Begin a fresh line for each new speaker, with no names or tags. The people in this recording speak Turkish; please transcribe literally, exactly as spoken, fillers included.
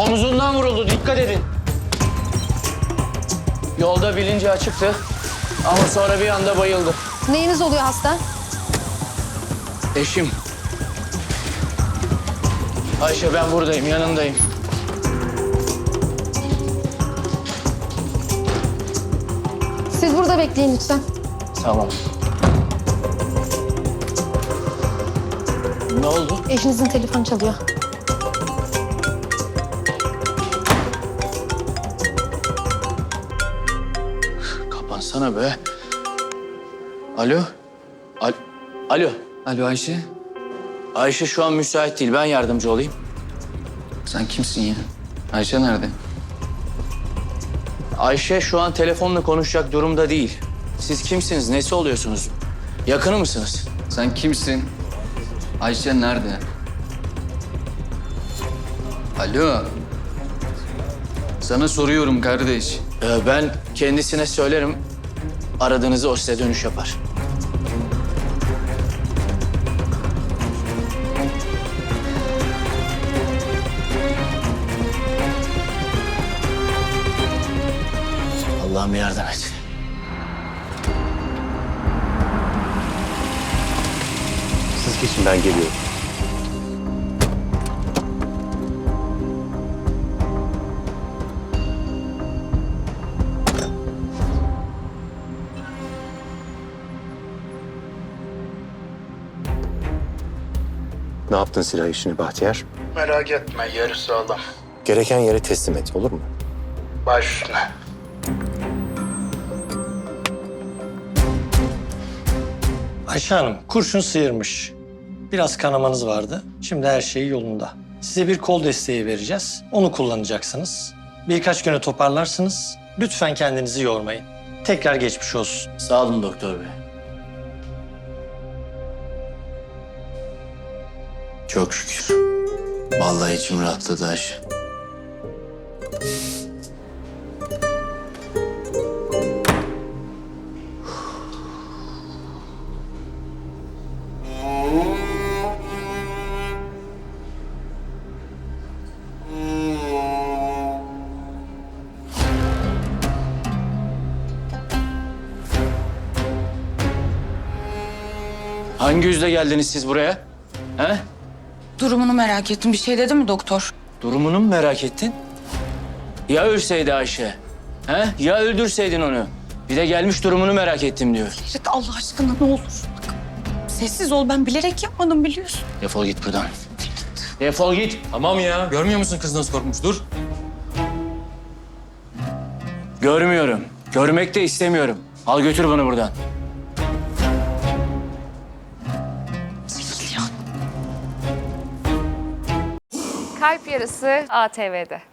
Omzundan vuruldu, dikkat edin. Yolda bilinci açıktı ama sonra bir anda bayıldı.
Neyiniz oluyor hasta?
Eşim. Ayşe, ben buradayım, yanındayım.
Siz burada bekleyin lütfen.
Tamam. Ne oldu?
Eşinizin telefonu çalıyor.
Kapansana be. Alo? Al Alo.
Alo Ayşe.
Ayşe şu an müsait değil, ben yardımcı olayım.
Sen kimsin ya? Ayşe nerede?
Ayşe şu an telefonla konuşacak durumda değil. Siz kimsiniz, nesi oluyorsunuz? Yakını mısınız?
Sen kimsin? Ayşe nerede? Alo. Sana soruyorum kardeş.
Ee, ben kendisine söylerim. Aradığınızı o size dönüş yapar. Allah'ım yardım et.
Siz geçin, ben geliyorum. Ne yaptın silah işini Bahtiyar?
Merak etme, yeri sağlam.
Gereken yere teslim et, olur mu?
Baş üstüne.
Ayşe Hanım, kurşun sıyırmış. Biraz kanamanız vardı. Şimdi her şey yolunda. Size bir kol desteği vereceğiz. Onu kullanacaksınız. Birkaç güne toparlarsınız. Lütfen kendinizi yormayın. Tekrar geçmiş olsun.
Sağ olun doktor bey. Çok şükür. Vallahi içim rahatladı Ayşe. Hangi yüzle geldiniz siz buraya? He?
Durumunu merak ettim. Bir şey dedi mi doktor?
Durumunu mu merak ettin? Ya ölseydi Ayşe? He? Ya öldürseydin onu? Bir de gelmiş durumunu merak ettim diyor.
Ferit Allah aşkına ne olur. Bak, sessiz ol. Ben bilerek yapmadım biliyorsun.
Defol git buradan. Defol git.
Tamam ya. Görmüyor musun kız nasıl korkmuş? Dur.
Görmüyorum. Görmek de istemiyorum. Al götür bunu buradan.
Çekil ya.
Kalp Yarısı A T V'de.